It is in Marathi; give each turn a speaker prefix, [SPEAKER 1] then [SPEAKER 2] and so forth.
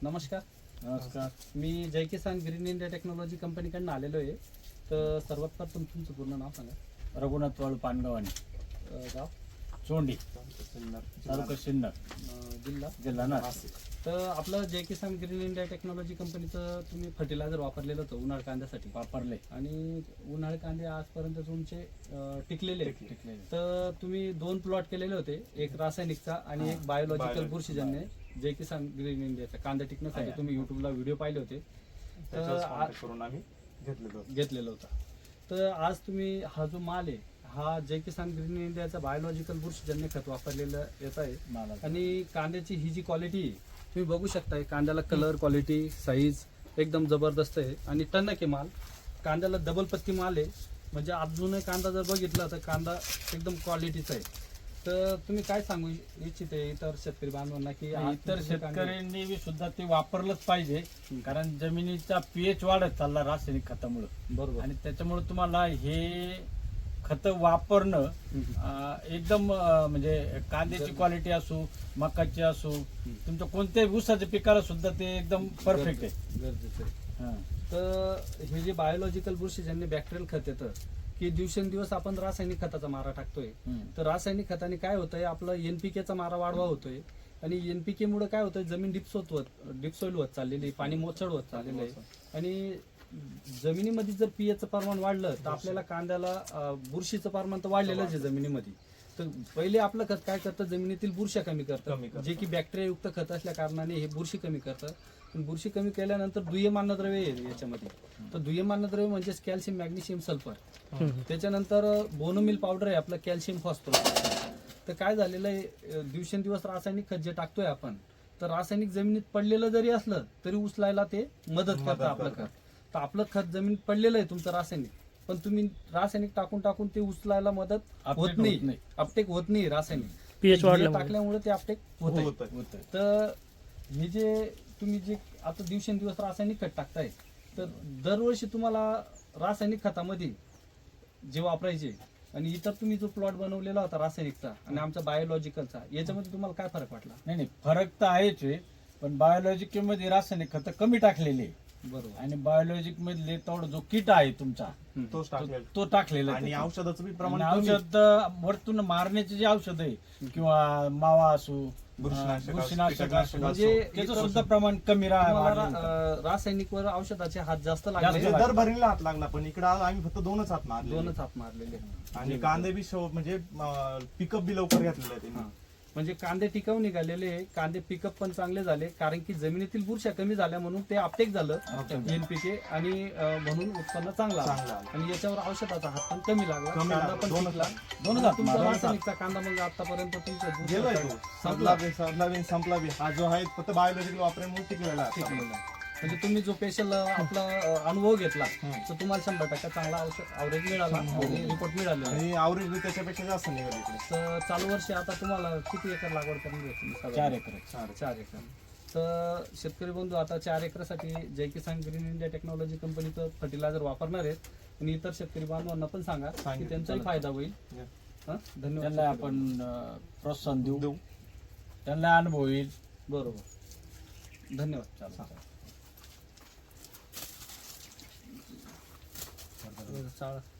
[SPEAKER 1] नमस्कार.
[SPEAKER 2] नमस्कार.
[SPEAKER 1] मी Jai Kisan green India technology कंपनीकडून आलेलो आहे. तर सर्वात प्रथम तुमचं पूर्ण नाव सांगा.
[SPEAKER 2] रघुनाथ वाळू पानगावानी,
[SPEAKER 1] गाव,
[SPEAKER 2] चोंडी, तालुका सिन्नर,
[SPEAKER 1] जिल्हा.
[SPEAKER 2] जिल्हा नाशिक.
[SPEAKER 1] तर आपलं Jai Kisan green India technology कंपनीचं तुम्ही फर्टिलायझर वापरलेलं होतं उन्हाळ कांद्यासाठी
[SPEAKER 2] वापरले.
[SPEAKER 1] आणि उन्हाळ कांदे आजपर्यंत तुमचे टिकलेले आहेत.
[SPEAKER 2] टिकलेले.
[SPEAKER 1] तर तुम्ही 2 प्लॉट केलेले होते, एक रासायनिकचा आणि एक बायोलॉजिकल बुरशीजन्य. जय किसान ग्रीन इंडियाचा कांदा टिकण्यासाठी तुम्ही युट्यूबला व्हिडिओ पाहिले होते, तर
[SPEAKER 3] करून आम्ही
[SPEAKER 1] घेतलेलं होतं. तर आज तुम्ही हा जो माल आहे हा जय किसान ग्रीन इंडियाचा बायोलॉजिकल बुरशीजन्य खत वापरलेलं येत आहे.
[SPEAKER 2] मला
[SPEAKER 1] आणि कांद्याची ही जी क्वालिटी आहे तुम्ही बघू शकताय. कांद्याला कलर, क्वालिटी, साईज एकदम जबरदस्त आहे आणि टणक आहे माल. कांद्याला डबल पत्ती माल आहे. म्हणजे अजूनही कांदा जर बघितला तर कांदा एकदम क्वालिटीचा आहे. तर तुम्ही काय सांगू इच्छिते इतर शेतकरी बांधवांना की
[SPEAKER 2] इतर शेतकऱ्यांनी बी सुद्धा ते वापरलंच पाहिजे, कारण जमिनीचा पीएच वाढत चालला रासायनिक खतामुळे.
[SPEAKER 1] बरोबर.
[SPEAKER 2] आणि त्याच्यामुळे तुम्हाला हे खत वापरणं एकदम म्हणजे कांद्याची क्वालिटी असो, मकाची असो, तुमच्या कोणत्याही ऊसाच्या पिकाला सुद्धा ते एकदम परफेक्ट आहे.
[SPEAKER 1] गरजेचं आहे.
[SPEAKER 2] हा.
[SPEAKER 1] तर हे जे बायोलॉजिकल बुरशीजन्य बॅक्टेरियल खत येतं की दिवसेंदिवस आपण रासायनिक खताचा मारा टाकतोय. तर रासायनिक खताने काय होतंय, आपलं एनपीकेचा मारा वाढवा होतोय आणि एनपीके मुळे काय होतंय, जमीन डिपसोईल होत चाललेली, पाणी मोचड होत चाललेलं आहे. आणि जमिनीमध्ये जर पीएचचं प्रमाण वाढलं तर आपल्याला कांद्याला बुरशीचं प्रमाण तर वाढलेलंच आहे जमिनीमध्ये. तर पहिले आपलं खत काय करतं, जमिनीतील बुरश्या कमी करतं, जे की बॅक्टेरियायुक्त खत असल्या कारणाने हे बुरशी कमी करतं. पण बुरशी कमी केल्यानंतर दुय्यम अन्नद्रव्य आहे याच्यामध्ये. तर दुय्यम अन्नद्रव्य म्हणजेच कॅल्शियम, मॅग्नेशियम, सल्फर. त्याच्यानंतर बोनोमिल पावडर आहे आपलं, कॅल्शियम, फॉस्फरस. तर काय झालेलं आहे, दिवसेंदिवस रासायनिक खत जे टाकतोय आपण, तर रासायनिक जमिनीत पडलेलं जरी असलं तरी उचलायला ते मदत करतं आपलं खत. तर आपलं खत जमिनीत पडलेलं आहे तुमचं रासायनिक, पण तुम्ही रासायनिक टाकून टाकून ते उचलायला मदत होत नाही, अपटेक होत नाही. रासायनिक
[SPEAKER 4] पीएच वाढलं
[SPEAKER 1] टाकल्यामुळे ते अपटेक होत. तर हे जे तुम्ही जे आता दिवसेंदिवस रासायनिक खत टाकताय, तर दरवर्षी तुम्हाला रासायनिक खतामध्ये जे वापरायचे आणि इतर तुम्ही जो प्लॉट बनवलेला होता रासायनिकचा आणि आमचा बायोलॉजिकलचा, याच्यामध्ये तुम्हाला काय फरक वाटला?
[SPEAKER 2] नाही, फरक तर आहेच आहे, पण बायोलॉजिक मध्ये रासायनिक खत कमी टाकलेले.
[SPEAKER 1] बरोबर.
[SPEAKER 2] आणि बायोलॉजिक मधले तेवढा जो किट आहे तुमचा तो टाकलेला आहे.
[SPEAKER 3] आणि औषधाचं बी प्रमाण
[SPEAKER 2] आणि औषध वरतून मारण्याचे जे औषध आहे किंवा मावा असो, बुरशीनाशक असो,
[SPEAKER 1] म्हणजे
[SPEAKER 2] त्याचं सुद्धा प्रमाण कमी
[SPEAKER 1] रासायनिक वर औषधाचे हात जास्त लागले.
[SPEAKER 3] दर भरणीला हात लागला, पण इकडे आम्ही फक्त 2च हात मारले.
[SPEAKER 1] 2च हात मारलेले.
[SPEAKER 3] आणि कांदे बी म्हणजे पिकअप बी लवकर घेतलेले त्यांनी.
[SPEAKER 1] म्हणजे कांदे टिकाऊ निघालेले, कांदे पिकअप पण चांगले झाले, कारण की जमिनीतील बुरशा कमी झाल्या म्हणून ते अपटेक झालं एनपीके, आणि म्हणून उत्पन्न चांगलं आलं. आणि याच्यावर औषधाचा हात पण कमी लागला, कांदा पण टिकला. तुमचा रासायनिकचा कांदा मग आतापर्यंत तुमच्या
[SPEAKER 3] संपला बी. हा जो आहे फक्त बायोलॉजिकल वापरण्यामुळे टिकलेला
[SPEAKER 1] टिकलेला. म्हणजे तुम्ही जो स्पेशल आपला अनुभव घेतला तर तुम्हाला 100% चांगला ॲव्हरेज मिळाला आणि रिपोर्ट मिळाला.
[SPEAKER 3] आणि ॲव्हरेज बी त्याच्यापेक्षा जास्त निघाले इकडे.
[SPEAKER 1] तर चालू वर्षी आता तुम्हाला किती एकर लागवड करून घेतली?
[SPEAKER 2] 4 एकर.
[SPEAKER 1] 4 एकर. तर शेतकरी बंधू आता 4 एकरसाठी Jai Kisan green India technology कंपनीचं फर्टिलायझर वापरणार आहेत. आणि इतर शेतकरी बांधवांना पण सांगा की त्यांचाही फायदा होईल. धन्यवाद.
[SPEAKER 2] त्यांना आपण प्रोत्साहन देऊ, त्यांना अनुभव येईल.
[SPEAKER 1] बरोबर. धन्यवाद. चालेल.